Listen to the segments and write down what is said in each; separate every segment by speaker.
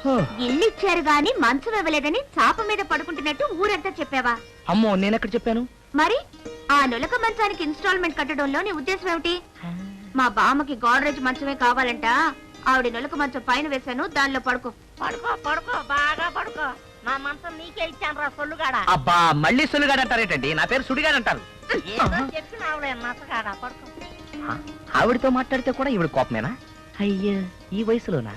Speaker 1: ఇల్లు ఇచ్చారు గాని మంచం ఇవ్వలేదని చాప మీద పడుకుంటున్నట్టు ఊరంతా చెప్పావా?
Speaker 2: అమ్మో, నేనెక్కడ చెప్పాను?
Speaker 1: మరి ఆ నులక మంచానికి ఇన్స్టాల్మెంట్ కట్టడంలో నీ ఉద్దేశం ఏమిటి? మా బామ్మకి గోడ్రేజ్ మంచమే కావాలంట. ఆవిడ నులక మంచం పైన వేశాను, దానిలో పడుకో.
Speaker 3: పడుకో పడుకో, బాగా పడుకో. నా మంచం నీకే ఇచ్చాను రా సొల్లుగాడ.
Speaker 2: అబ్బా, మళ్ళీ సొల్లుగాడ అంటారేటండి? నా పేరు సుడిగాడు అంటారు.
Speaker 3: చెప్పినావులే నచ్చగాడ, పడుకో.
Speaker 2: ఆవిడతో మాట్లాడితే కూడా ఈవిడ కోపమేనా? అయ్యో, ఈ వయసులోనా?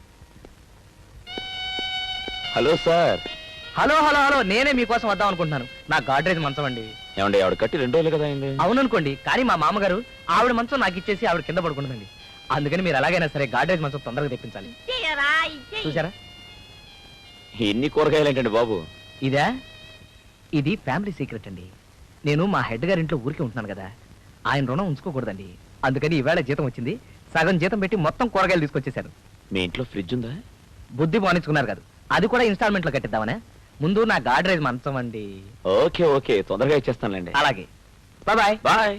Speaker 4: Hello sir.
Speaker 2: Hello hello hello, నేనే మీకోసం వద్దాం అనుకుంటున్నాను. నా గాడ్రేజ్ మంచం అండి.
Speaker 4: ఏమండి, ఆవిడ కట్టి 2 రోజులు కదా అయింది.
Speaker 2: అవుననుకోండి, కానీ మా మామగారు ఆవిడ మంచం నాకు ఇచ్చేసి ఆవిడ కింద పడుకుంటుందండి. అందుకని మీరు ఎలాగైనా సరే గాడ్రేజ్ మంచం తొందరగా తెప్పించాలి. చూసారా,
Speaker 4: ఎన్ని కూరగాయలు ఏంటండి బాబు?
Speaker 2: ఇదా? ఇది ఫ్యామిలీ సీక్రెట్ అండి. నేను మా హెడ్ గారి ఇంట్లో ఊరికి ఉంటున్నాను కదా, ఆయన రుణం ఉంచుకోకూడదండి. అందుకని ఈవేళ జీతం వచ్చింది, సగం జీతం పెట్టి మొత్తం కూరగాయలు తీసుకొచ్చేసారు.
Speaker 4: మీ ఇంట్లో ఫ్రిడ్జ్ ఉందా?
Speaker 2: బుద్ధి బానించుకున్నారు కదా, అది కూడా ఇన్స్టాల్మెంట్ లో కట్టిద్దామనే. ముందు నా గాడ్రేజ్ మంచం అండి.
Speaker 4: ఓకే ఓకే, తొందరగా ఇచ్చేస్తానులేండి.
Speaker 2: అలాగే, బాయ్
Speaker 4: బాయ్.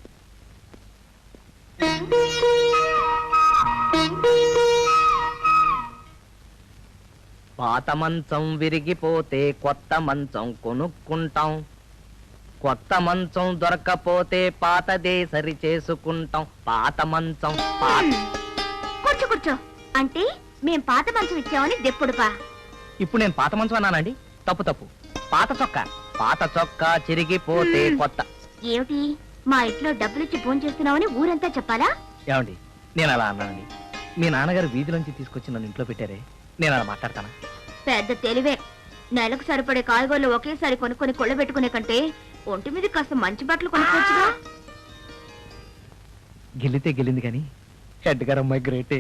Speaker 2: పాత మంచం విరిగిపోతే కొత్త మంచం కొనుక్కుంటాం, కొత్త మంచం దొరక్కపోతే పాతదే సరి చేసుకుంటాం. పాత మంచం
Speaker 1: కూర్చో కూర్చో అంటే మేం పాత మంచం ఇచ్చామని దెప్పుడుపా.
Speaker 2: ఇప్పుడు నేను పాత మంచం అన్నానండి? తప్పు తప్పు, పాత చొక్కా. పాత చొక్కా చిరిగిపోతే కొత్త.
Speaker 1: ఏమిటి, మా ఇంట్లో డబ్బులిచ్చి ఫోన్ చేస్తున్నావని ఊరంతా చెప్పాలా?
Speaker 2: ఏమండి, నేను అలా అన్నానండి. మీ నాన్నగారు వీధిలోంచి తీసుకొచ్చి నన్ను ఇంట్లో పెట్టారే, నేను అలా మాట్లాడతానా?
Speaker 1: పెద్ద తెలివే. నెలకు సరిపడే కాయగూరలు ఒకేసారి కొనుక్కొని కొళ్ళబెట్టుకునే కంటే ఒంటి మీద కాస్త మంచి బట్టలు కొనుక్కోవచ్చుగా.
Speaker 2: గెలితే గెలింది కానీ హెడ్ గారు అమ్మాయి గ్రేటే.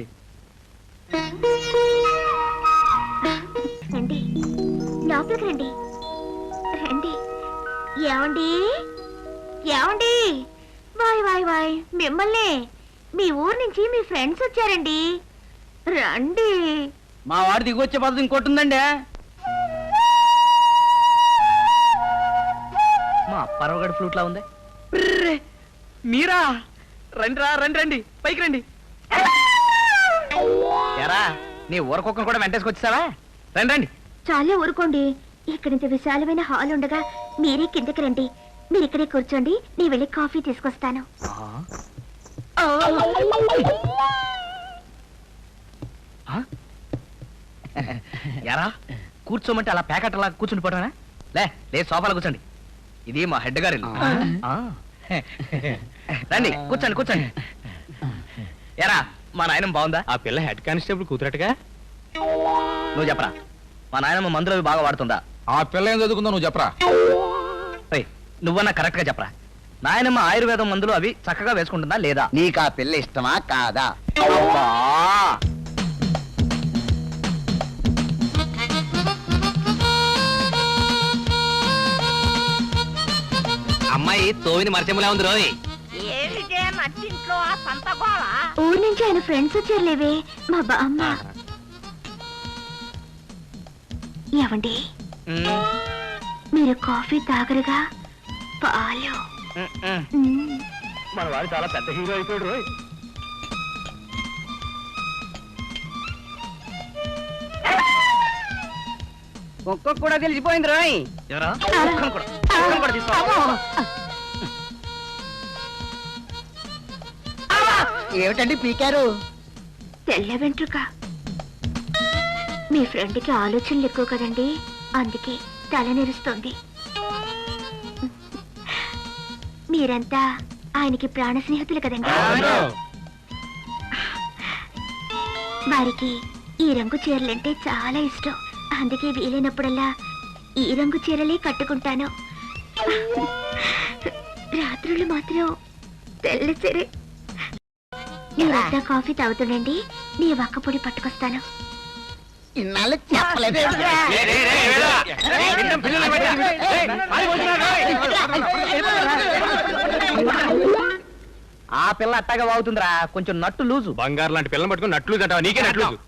Speaker 1: రండి, లోపలికి రండి. రండి. ఏమండి ఏమండి, వాయ్ వాయ్ వాయ్, మిమ్మల్ని. మీ ఊరు నుంచి మీ ఫ్రెండ్స్ వచ్చారండి, రండి.
Speaker 2: మా వాడు దిగొచ్చే పద్ధతి ఇంకోటి ఉందండి. మా పరవగడి ఫ్లూట్ లా ఉంది. మీరా? రండి రా, రండి రండి, పైకి రండి. ఎరా, నీ ఊరకొక్కను కూడా వెంటేసుకొచ్చావా? రండి రండి.
Speaker 1: చాలా ఊరుకోండి, ఇక్కడ ఇంత విశాలమైన హాల్ ఉండగా మీరే కిందకి రండి. మీరు ఇక్కడే కూర్చోండి, నీ వెళ్ళి కాఫీ తీసుకొస్తాను.
Speaker 2: ఎరా, కూర్చోమంటే అలా ప్యాకెట్ అలా కూర్చుని పోవడమేనా? లే సోఫాలో కూర్చోండి. ఇది మా హెడ్ గారి ఇల్లు. రండి, కూర్చోండి కూర్చోండి. ఎరా, మా నాయనమ్మ బాగుందా?
Speaker 4: ఆ పిల్ల హెడ్ కానిస్టేబుల్ కూతురట్టుగా.
Speaker 2: నువ్వు చెప్పరా, మా నాయనమ్మ మందులు అవి బాగా వాడుతుందా?
Speaker 5: ఆ పిల్ల ఏం చదువుకుందో నువ్వు చెప్పరా.
Speaker 2: నువ్వన్నా కరెక్ట్ గా చెప్పరా, నాయనమ్మ ఆయుర్వేదం మందులు అవి చక్కగా వేసుకుంటుందా లేదా?
Speaker 6: నీకు ఆ పిల్ల ఇష్టమా కాదా?
Speaker 2: అబ్బా! అమ్మాయి తోవిని మరచెములా ఉంది రోయ్.
Speaker 3: ఏమిటే నచ్చింట్లో ఆ సంత గోళ?
Speaker 1: ఊరు నుంచి ఆయన ఫ్రెండ్స్ వచ్చారులేవే, మా బామ్మ. ఏమండి, మీరు కాఫీ తాగరుగా? పాలు.
Speaker 2: మన వాడు చాలా పెద్ద హీరో అయిపోయాడు రోయ్.
Speaker 6: ఒక్కొక్క కూడా తెలిసిపోయింది రోయ్.
Speaker 2: ఎవరా?
Speaker 6: ఏమిటండి పీకారు?
Speaker 1: తెల్ల వెంట్రుక. మీ ఫ్రెండ్కి ఆలోచనలు ఎక్కువ కదండి, అందుకే తల నెరుస్తోంది. మీరంతా ఆయనకి ప్రాణ స్నేహితులు కదండి. వారికి ఈ రంగు చీరలంటే చాలా ఇష్టం, అందుకే వీలైనప్పుడల్లా ఈ రంగు చీరలే కట్టుకుంటాను. రాత్రులు మాత్రం తెల్ల చీరే. మీరంతా కాఫీ తాగుతుండండి, నీ వక్కపొడి పట్టుకొస్తాను.
Speaker 6: ఇన్నాళ్ళు చెప్పలేదు.
Speaker 2: ఆ పిల్ల అట్టగా వాగుతుందిరా, కొంచెం నట్టు లూజు.
Speaker 4: బంగారు లాంటి పిల్లలు పట్టుకుని నట్లు అంటావా? నీకే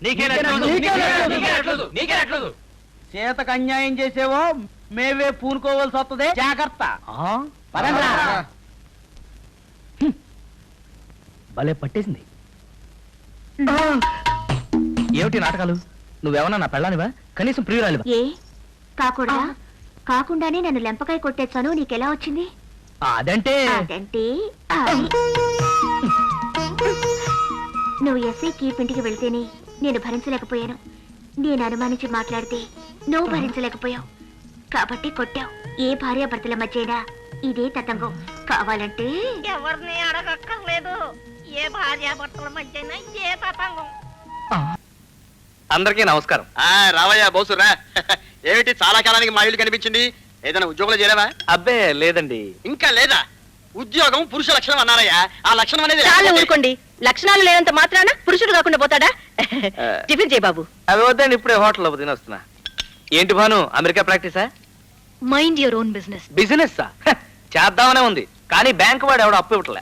Speaker 4: నట్లు.
Speaker 6: చేతకు అన్యాయం చేసేవో మేవే పూనుకోవాల్సి వస్తుంది, జాగ్రత్త.
Speaker 2: భలే పట్టేసింది. ఏమిటి నాటకాలు? నువ్వేమన్నా నా పెళ్ళానివా కనీసం ప్రియురాలివా?
Speaker 1: ఏ కాకూడదా? కాకుండానే నన్ను లెంపకాయ కొట్టేశాను, నీకెలా వచ్చింది?
Speaker 2: అదంటే
Speaker 1: అదంటే అది. నువ్వు ఎస్ఐ కీప్ ఇంటికి వెళ్తేనే నేను భరించలేకపోయాను. నేను అనుమానించి మాట్లాడితే నువ్వు భరించలేకపోయావు కాబట్టి కొట్టావు. ఏ భార్యాభర్తల మధ్యైనా ఇదే తతంగం. కావాలంటే
Speaker 3: ఎవరిని అడగక్కర్లేదు. ఏ భార్యాభర్తల మధ్యన ఏ తతంగం.
Speaker 2: అందరికీ నమస్కారం.
Speaker 7: రావయ్యా బోసురా. ఏమిటి చాలా కాలానికి మా ఇల్లు కనిపించింది? ఏదైనా ఉద్యోగంలో చేరావా?
Speaker 2: అబ్బే లేదండి.
Speaker 7: ఇంకా లేదా? ఉద్యోగం పురుష లక్షణం అన్నారయ్యా. ఆ లక్షణం అనేది
Speaker 3: చాలు
Speaker 7: లేకపోతే-
Speaker 3: ఊరుకోండి. లక్షణాలు లేనంత మాత్రాన పురుషుడు కాకుండా పోతాడా? టిఫిన్ చేయి బాబు.
Speaker 2: అవి వద్దండి, ఇప్పుడే హోటల్లో తినొస్తున్నా. ఏంటి భాను, అమెరికా ప్రాక్టీసా?
Speaker 3: Mind your own business.
Speaker 2: Business చేద్దామనే ఉంది కానీ బ్యాంక్ వాడు ఎవడో అప్పు ఇవ్వట్లే.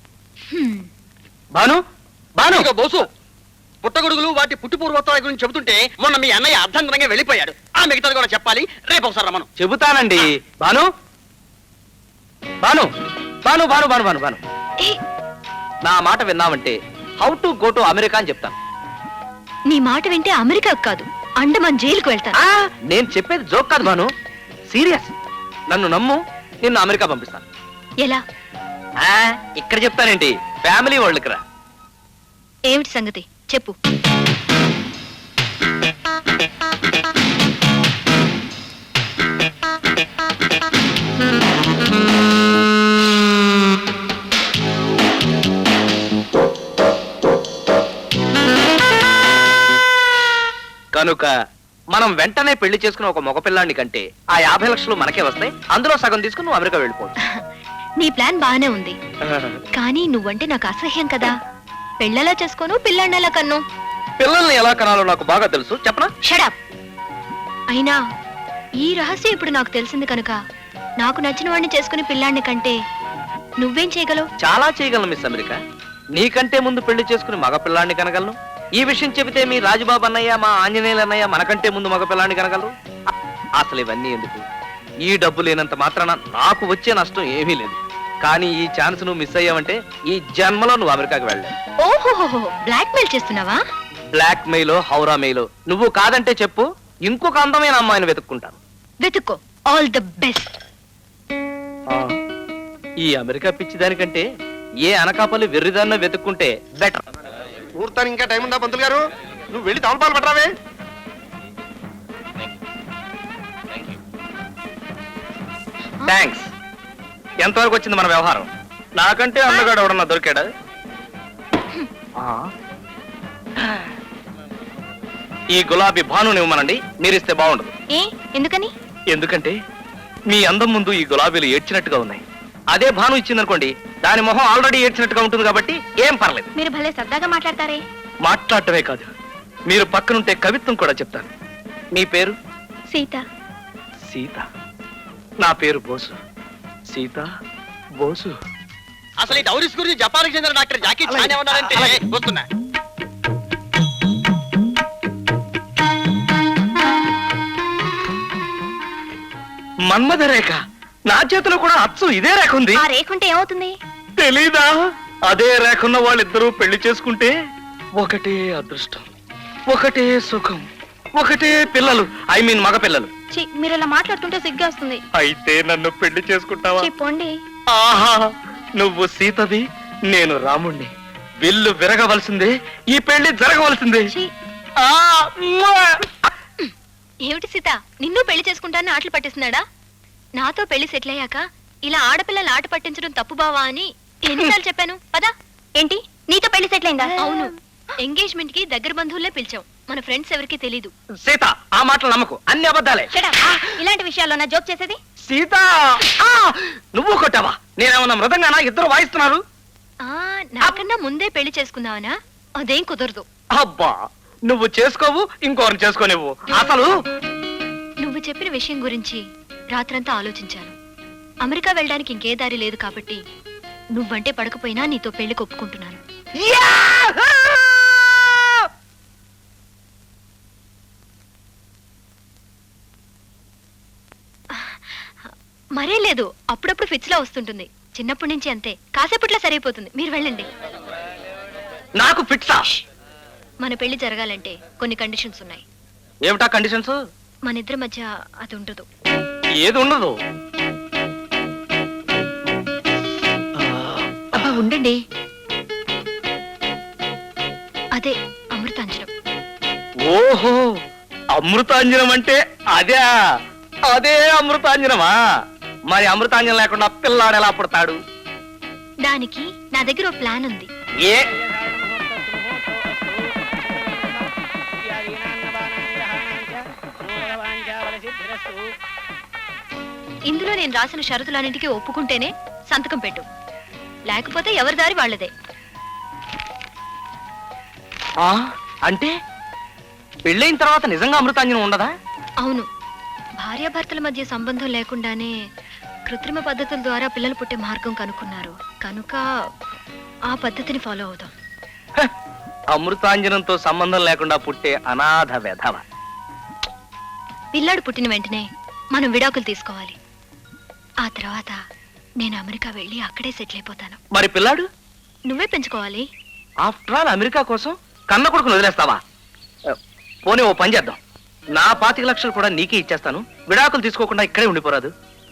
Speaker 2: భాను భాను
Speaker 7: ఇదిగో బోసు, పుట్టగొడుగులు వాటి పుట్టు పూర్వోత్తరాల గురించి చెబుతుంటే మొన్న మీ అన్నయ్య అర్ధంతరంగా వెళ్ళిపోయాడు. ఆ మిగతాది కూడా చెప్పాలి. రేపు ఒకసారి రమ్మను.
Speaker 2: చెబుతానండి. భాను భాను భాను భాను భాను భాను భాను నా మాట విన్నావంటే how to go to America అని చెప్తాను.
Speaker 8: నీ మాట వింటే అమెరికా కాదు అండమాన్ జైలుకు వెళ్తాను.
Speaker 2: నేను చెప్పేది జోక్ కాదు భాను, సీరియస్. నన్ను నమ్ము, నిన్ను అమెరికా పంపిస్తాను.
Speaker 8: ఎలా?
Speaker 2: ఇక్కడ చెప్తానేంటి, ఫ్యామిలీ వరల్డ్కి రా.
Speaker 8: ఏమిటి సంగతి చెప్పు.
Speaker 2: కనుక మనం వెంటనే పెళ్లి చేసుకున్న ఒక మగపిల్లాన్ని కంటే ఆ 50 లక్షలు మనకే వస్తాయి. అందులో సగం తీసుకుని నువ్వు అమెరికా వెళ్ళిపోవచ్చు.
Speaker 8: నీ ప్లాన్ బానే ఉంది కానీ నువ్వంటే నాకు అసహ్యం కదా. పెళ్ళలా చేసుకోను, పిల్లాన్నెలా కన్ను.
Speaker 2: పిల్లల్ని ఎలా కనాలో నాకు బాగా తెలుసు, చెప్పనా?
Speaker 8: షడప్. అయినా ఈ రహస్యం ఇప్పుడు నాకు తెలిసింది కనుక నాకు నచ్చిన వాడిని చేసుకుని పిల్లాన్ని కంటే నువ్వేం చేయగలవు?
Speaker 2: చాలా చేయగలను మిస్ అమెరికా. నీకంటే ముందు పెళ్లి చేసుకుని మగపిల్లాన్ని కనగలను. ఈ విషయం చెబితే మీ రాజుబాబు అన్నయ్య, మా ఆంజనేయులు అన్నయ్య మనకంటే ముందు మగపిల్లాన్ని కనగలరు. అసలు ఇవన్నీ ఎందుకు? ఈ డబ్బు లేనంత మాత్రాన నాకు వచ్చే నష్టం ఏమీ లేదు. కానీ ఈ ఛాన్స్ నువ్వు మిస్ అయ్యావంటే ఈ జన్మలో నువ్వు అమెరికాకి వెళ్ళావు.
Speaker 8: ఓహోహో, బ్లాక్ మెయిల్ చేస్తున్నావా?
Speaker 2: బ్లాక్ మెయిలో హౌరా మెయిలో నువ్వు కాదంటే చెప్పు, ఇంకొక అందమైన అమ్మాయిని వెతుక్కుంటాను.
Speaker 8: వెతుక్కో. All the best.
Speaker 2: ఈ అమెరికా పిచ్చి దానికంటే ఏ అనకాపల్లి వెర్రిదాన్న వెతుక్కుంటే బెటర్.
Speaker 7: ముహూర్తానికి ఇంకా టైం ఉందా పంతులు గారు? నువ్వు వెళ్ళి తమలపాలు పట్టరావే.
Speaker 2: థ్యాంక్స్. ఎంతవరకు వచ్చింది మన వ్యవహారం? నాకంటే అందగాడు ఎవడన్నా దొరికాడా? ఈ గులాబీ భానుని ఇవ్వమనండి, మీరిస్తే బాగుండదు.
Speaker 8: ఏ ఎందుకని?
Speaker 2: ఎందుకంటే మీ అందం ముందు ఈ గులాబీలు ఏడ్చినట్టుగా ఉన్నాయి. అదే భాను ఇచ్చిందనుకోండి, దాని మొహం ఆల్రెడీ ఏడ్చినట్టుగా ఉంటుంది కాబట్టి ఏం పర్లేదు.
Speaker 8: మీరు భలే సరదాగా మాట్లాడతారే.
Speaker 2: మాట్లాడటమే కాదు, మీరు పక్కనుంటే కవిత్వం కూడా చెప్తాను. మీ పేరు?
Speaker 8: సీత.
Speaker 2: సీత. నా పేరు బోసు. సీత బోసు.
Speaker 7: అసలు ఈ డౌరీస్ గురించి జపాన్కి చెందిన డాక్టర్ జాకీ చాన్ ఏమన్నారంటే వస్తున్నా.
Speaker 2: మన్మథ రేఖ. నా చేతిలో కూడా అచ్చు ఇదే రేఖ ఉంది.
Speaker 8: ఆ రేఖుంటే ఏమవుతుంది?
Speaker 2: తెలీదా? అదే రేఖన్న వాళ్ళిద్దరూ పెళ్లి చేసుకుంటే ఒకటే అదృష్టం, ఒకటే సుఖం, ఒకటే పిల్లలు. ఐ మీన్ మగ పిల్లలు.
Speaker 8: మీరు ఇలా మాట్లాడుతుంటే సిగ్గేస్తుంది.
Speaker 2: అయితే నన్ను పెళ్లి చేసుకుంటావా?
Speaker 8: చెప్పండి.
Speaker 2: ఆహా, నువ్వు సీతవి, నేను రాముణ్ణి. విల్లు విరగవలసిందే, ఈ పెళ్లి జరగవలసిందే. ఆ, మ్మా!
Speaker 8: ఏమిటి సీత, నిన్ను పెళ్లి చేసుకుంటానని ఆటలు పట్టిస్తున్నాడా? నాతో పెళ్లి సెటిల్ అయ్యాక ఇలా ఆడపిల్లలు ఆట పట్టించడం తప్పు బావా అని ఎన్నిసార్లు చెప్పాను. పదా. ఏంటి, నీతో పెళ్లి సెటిల్ అయిందా? అవును. ఎంగేజ్మెంట్ కి దగ్గర బంధువులే పిలిచాం. మన ఫ్రెండ్స్ ఎవరికి తెలీదు.
Speaker 2: సీత, ఆ మాటలు నమ్మకు, అన్ని అబద్ధాలే.
Speaker 8: ఇలాంటి విషయాల్లో నా జోక్ చేసేది?
Speaker 2: సీత, ఆ! నువ్వు కొట్టావా? నేనేమన్నా మృదంగానా? ఇద్దరు వాయిస్తున్నారు.
Speaker 8: నాకన్నా ముందే పెళ్లి చేసుకుందావనా? అదేం కుదరదు.
Speaker 2: అబ్బా, నువ్వు చేసుకోవు, ఇంకోరిని చేసుకోనివ్వు. అసలు
Speaker 8: నువ్వు చెప్పిన విషయం గురించి రాత్రంతా ఆలోచించాను. అమెరికా వెళ్ళడానికి ఇంకే దారి లేదు కాబట్టి నువ్వంటే పడకపోయినా నీతో పెళ్లి ఒప్పుకుంటున్నాను. మరే లేదు, అప్పుడప్పుడు ఫిట్స్ లా వస్తుంటుంది. చిన్నప్పటి నుంచి అంతే, కాసేపట్లో సరైపోతుంది. మీరు వెళ్ళండి.
Speaker 2: నాకు ఫిట్సా?
Speaker 8: మన పెళ్లి జరగాలంటే కొన్ని కండిషన్స్ ఉన్నాయి.
Speaker 2: ఏమిటా కండిషన్స్?
Speaker 8: మన ఇద్దరి మధ్య అది ఉండదు.
Speaker 2: ఏది ఉండదు?
Speaker 8: అబ్బా ఉండండి, అదే అమృతాంజనం.
Speaker 2: ఓహో, అమృతాంజనం అంటే అదే. అదే అమృతాంజనమా? మరి అమృతాంజనం లేకుండా పిల్లాడు ఎలా పుడతాడు?
Speaker 8: దానికి నా దగ్గర ఓ ప్లాన్ ఉంది.
Speaker 2: ఏ?
Speaker 8: ఇందులో నేను రాసిన షరతులన్నింటికి ఒప్పుకుంటేనే సంతకం పెట్టు, లేకపోతే ఎవరి దారి వాళ్ళదే.
Speaker 2: ఆ, అంటే పెళ్ళైన తర్వాత నిజంగా అమృతాంజనం ఉండదా?
Speaker 8: అవును, భార్యాభర్తల మధ్య సంబంధం లేకుండానే కృత్రిమ పద్ధతుల ద్వారా పిల్లలు పుట్టే మార్గం కనుక్కున్నారు కనుక ఆ పద్ధతిని ఫాలో అవుదాం.
Speaker 2: హ, అమృతాంజనంతో సంబంధం లేకుండా పుట్టే అనాథ వెధవ.
Speaker 8: పిల్లాడు పుట్టిన వెంటనే మనం విడాకులు తీసుకోవాలి. ఆ తర్వాత నేను అమెరికా వెళ్ళి అక్కడే సెటిల్ అయిపోతాను.
Speaker 2: మరి పిల్లాడు?
Speaker 8: నువ్వే పెంచుకోవాలి.
Speaker 2: ఆఫ్టర్ ఆల్ అమెరికా కోసం కన్న కొడుకును వదిలేస్తావా? పోనీ ఓ పని చేద్దాం, నా 25 లక్షలు కూడా నీకే ఇచ్చేస్తాను. విడాకులు తీసుకోకుండా ఇక్కడే ఉండిపోరాదు?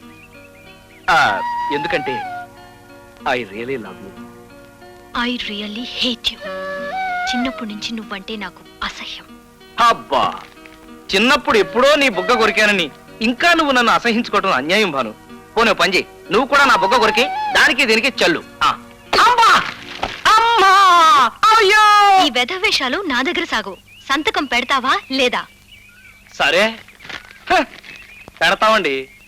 Speaker 2: ఎందుకంటే I really love you.
Speaker 8: I really hate you. చిన్నప్పటి నుంచి నువ్వంటే నాకు అసహ్యం.
Speaker 2: అబ్బా, చిన్నప్పుడు ఎప్పుడో నీ బుగ్గ కొరికానని ఇంకా నువ్వు నన్ను అసహించుకోవటం అన్యాయం భాను. పోనీ ఓ పని చేయి, నువ్వు కూడా నా బుగ్గ కొరికి దానికి దీనికి చల్లు. అమ్మా! అమ్మా! అయ్యో!
Speaker 8: ఈ వెధవేషాలు నా దగ్గర సాగు. సంతకం పెడతావా లేదా?
Speaker 2: సరే, పెడతామండి.